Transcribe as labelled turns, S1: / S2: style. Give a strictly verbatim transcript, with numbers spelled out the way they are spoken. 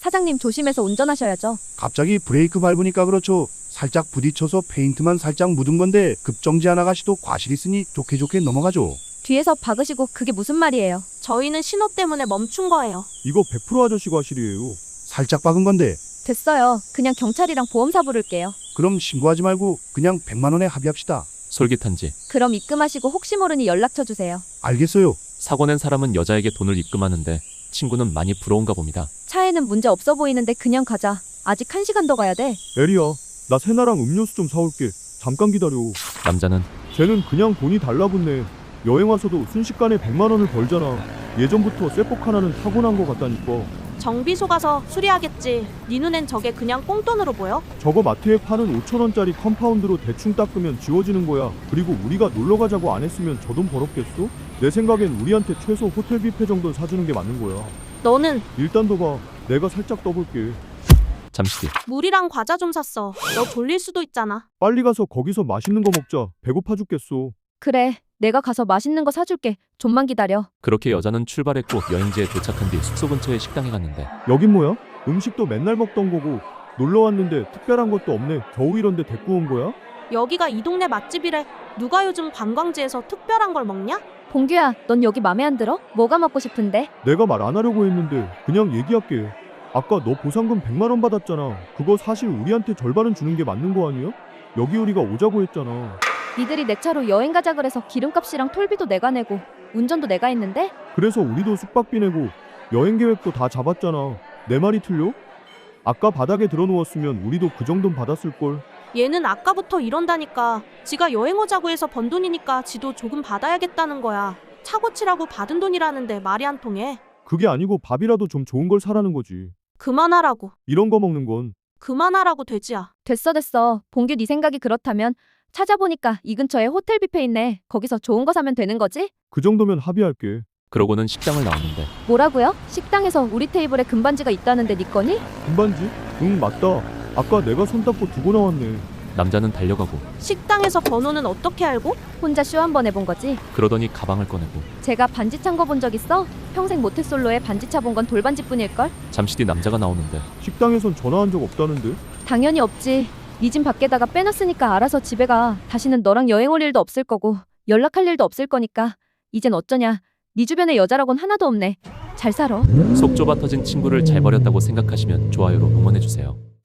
S1: 사장님 조심해서 운전하셔야죠.
S2: 갑자기 브레이크 밟으니까 그렇죠. 살짝 부딪혀서 페인트만 살짝 묻은 건데 급정지한 아가씨도 과실 있으니 좋게 좋게 넘어가죠.
S1: 뒤에서 박으시고 그게 무슨 말이에요?
S3: 저희는 신호 때문에 멈춘 거예요.
S4: 이거 백 퍼센트 아저씨 과실이에요.
S2: 살짝 박은 건데
S1: 됐어요. 그냥 경찰이랑 보험사 부를게요.
S2: 그럼 신고하지 말고 그냥 백만 원에 합의합시다.
S5: 솔깃한지
S1: 그럼 입금하시고 혹시 모르니 연락처 주세요.
S2: 알겠어요.
S5: 사고 낸 사람은 여자에게 돈을 입금하는데 친구는 많이 부러운가 봅니다.
S1: 차에는 문제 없어 보이는데 그냥 가자. 아직 한 시간 더 가야 돼.
S4: 에리야, 나 세나랑 음료수 좀 사올게. 잠깐 기다려.
S5: 남자는
S4: 쟤는 그냥 돈이 달라붙네. 여행 와서도 순식간에 백만 원을 벌잖아. 예전부터 쇠폭 하나는 타고난 거 같다니까.
S3: 정비소 가서 수리하겠지. 네 눈엔 저게 그냥 꽁돈으로 보여?
S4: 저거 마트에 파는 오천 원짜리 컴파운드로 대충 닦으면 지워지는 거야. 그리고 우리가 놀러 가자고 안 했으면 저 돈 벌었겠어? 내 생각엔 우리한테 최소 호텔 뷔페 정도는 사주는 게 맞는 거야.
S3: 너는
S4: 일단 둬봐. 내가 살짝 떠볼게.
S5: 잠시 뒤
S3: 물이랑 과자 좀 샀어. 너 졸릴 수도 있잖아.
S4: 빨리 가서 거기서 맛있는 거 먹자. 배고파 죽겠어.
S1: 그래. 내가 가서 맛있는 거 사줄게. 좀만 기다려.
S5: 그렇게 여자는 출발했고 여행지에 도착한 뒤 숙소 근처의 식당에 갔는데
S4: 여긴 뭐야? 음식도 맨날 먹던 거고 놀러 왔는데 특별한 것도 없네. 겨우 이런데 데리고 온 거야?
S3: 여기가 이 동네 맛집이래. 누가 요즘 관광지에서 특별한 걸 먹냐?
S1: 봉규야, 넌 여기 맘에 안 들어? 뭐가 먹고 싶은데?
S4: 내가 말 안 하려고 했는데 그냥 얘기할게. 아까 너 보상금 백만 원 받았잖아. 그거 사실 우리한테 절반은 주는 게 맞는 거 아니야? 여기 우리가 오자고 했잖아.
S1: 니들이 내 차로 여행 가자 그래서 기름값이랑 톨비도 내가 내고 운전도 내가 했는데?
S4: 그래서 우리도 숙박비 내고 여행 계획도 다 잡았잖아. 내 말이 틀려? 아까 바닥에 들어누웠으면 우리도 그 정도는 받았을걸.
S3: 얘는 아까부터 이런다니까. 지가 여행 오자고 해서 번 돈이니까 지도 조금 받아야겠다는 거야. 차 고치라고 받은 돈이라는데 말이 안 통해.
S4: 그게 아니고 밥이라도 좀 좋은 걸 사라는 거지.
S3: 그만하라고.
S4: 이런 거 먹는 건.
S3: 그만하라고 돼지야.
S1: 됐어 됐어. 봉규 네 생각이 그렇다면 찾아보니까 이 근처에 호텔 뷔페 있네. 거기서 좋은 거 사면 되는 거지?
S4: 그 정도면 합의할게.
S5: 그러고는 식당을 나오는데
S1: 뭐라고요? 식당에서 우리 테이블에 금반지가 있다는데 네 거니?
S4: 금반지? 응, 맞다. 아까 내가 손 닦고 두고 나왔네.
S5: 남자는 달려가고
S3: 식당에서 번호는 어떻게 알고?
S1: 혼자 쇼 한 번 해본 거지?
S5: 그러더니 가방을 꺼내고
S1: 제가 반지 찬 거 본 적 있어? 평생 모태솔로에 반지 차 본 건 돌반지뿐일걸?
S5: 잠시 뒤 남자가 나오는데
S4: 식당에선 전화한 적 없다는데?
S1: 당연히 없지. 네 짐 밖에다가 빼놨으니까 알아서 집에 가. 다시는 너랑 여행 올 일도 없을 거고 연락할 일도 없을 거니까 이젠 어쩌냐. 네 주변에 여자라곤 하나도 없네. 잘 살아.
S5: 속 좁아 터진 친구를 잘 버렸다고 생각하시면 좋아요로 응원해주세요.